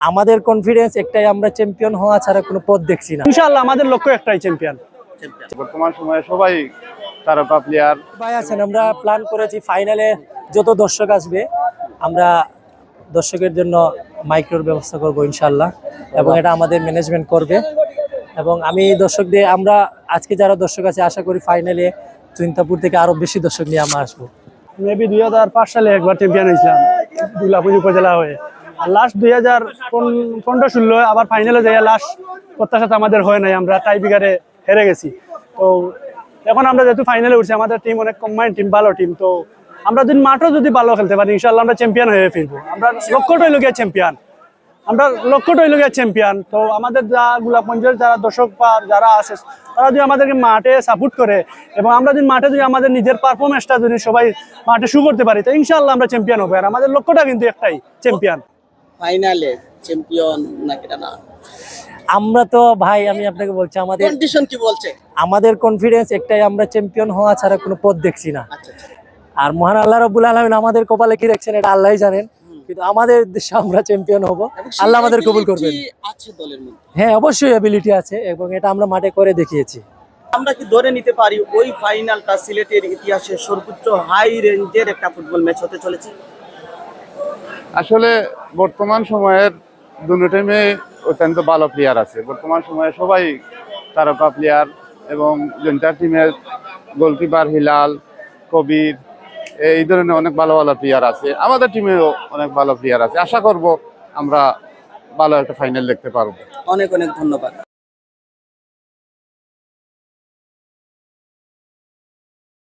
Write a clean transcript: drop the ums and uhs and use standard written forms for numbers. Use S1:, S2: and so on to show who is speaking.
S1: আমাদের কনফিডেন্স একটাই, আমরা চ্যাম্পিয়ন হওয়া ছাড়া কোনো পথ দেখছি না।
S2: ইনশাআল্লাহ আমাদের লক্ষ্য একটাই, চ্যাম্পিয়ন।
S3: বর্তমান সময়ে সবাই তারকা প্লেয়ার
S1: ভাই আছেন, আমরা প্ল্যান করেছি ফাইনালে যত দর্শক আসবে আমরা দর্শকের জন্য মাইক্রোর ব্যবস্থা করব ইনশাআল্লাহ, এবং এটা আমাদের ম্যানেজমেন্ট করবে। এবং আমি দর্শকদের, আমরা আজকে যারা দর্শক আছে আশা করি ফাইনালে চিন্তাপুর থেকে আরো বেশি দর্শক নিয়ে আমরা আসবো।
S2: মেবি 2005 সালে একবার চ্যাম্পিয়ন হয়েছিলাম দুর্গাপুর উপজেলা হয়ে, আর লাস্ট 2015-16 আবার ফাইনালে যাই, লাস্ট প্রত্যাশা আমাদের হয় নাই, আমরা টাই ব্রেকারে হেরে গেছি। তো এখন আমরা যেহেতু ফাইনালে উঠছি, আমাদের টিম অনেক কম্বাইন্ড টিম, ভালো টিম। তো আমরা যদি মাঠও যদি ভালো খেলতে পারি ইনশাআল্লাহ আমরা চ্যাম্পিয়ন হয়ে ফিরবো। আমরা লক্ষ্যটাই লগিয়া চ্যাম্পিয়ন, চ্যাম্পিয়ন। তো আমাদের গোলাপগঞ্জের যারা দর্শক বা যারা আছে তারা যদি আমাদেরকে মাঠে সাপোর্ট করে, এবং আমরা যদি মাঠে যদি আমাদের নিজের পারফরমেন্সটা যদি সবাই মাঠে শু করতে পারি, তো ইনশাআল্লাহ আমরা চ্যাম্পিয়ন হবো। আর আমাদের লক্ষ্যটা কিন্তু একটাই, চ্যাম্পিয়ন।
S4: ফাইনালে চ্যাম্পিয়ন নাকি না?
S1: আমরা তো ভাই, আমি আপনাকে বলছি, আমাদের
S4: কন্ডিশন কি বলছে?
S1: আমাদের কনফিডেন্স একটাই, আমরা চ্যাম্পিয়ন হওয়া ছাড়া কোনো পথ দেখছি না।
S4: আচ্ছা আচ্ছা।
S1: আর মহান আল্লাহ রাব্বুল আলামিন আমাদের কপালে কি রাখছেন এটা আল্লাহই জানেন, কিন্তু আমাদের দেশে আমরা চ্যাম্পিয়ন হব, আল্লাহ আমাদের কবুল করবেন।
S4: আছে দলের মধ্যে?
S1: হ্যাঁ, অবশ্যই অ্যাবিলিটি আছে, এবং এটা আমরা মাঠে করে দেখিয়েছি।
S4: আমরা কি ধরে নিতে পারি ওই ফাইনালটা সিলেটের ইতিহাসে সর্বোচ্চ হাই রেঞ্জের একটা ফুটবল ম্যাচ হতে চলেছে?
S3: আসলে বর্তমান সময়ের দুটো টিমে অত্যন্ত ভালো প্লেয়ার আছে। বর্তমান সময়ে সবাই তারকা প্লেয়ার, এবং জনতার টিমের গোলকিপার হিলাল, কবির, এই ধরনের অনেক ভালো ভালো প্লেয়ার আছে। আমাদের টিমেও অনেক ভালো প্লেয়ার আছে। আশা করব আমরা ভালো একটা ফাইনাল দেখতে পারবো।
S4: অনেক অনেক ধন্যবাদ।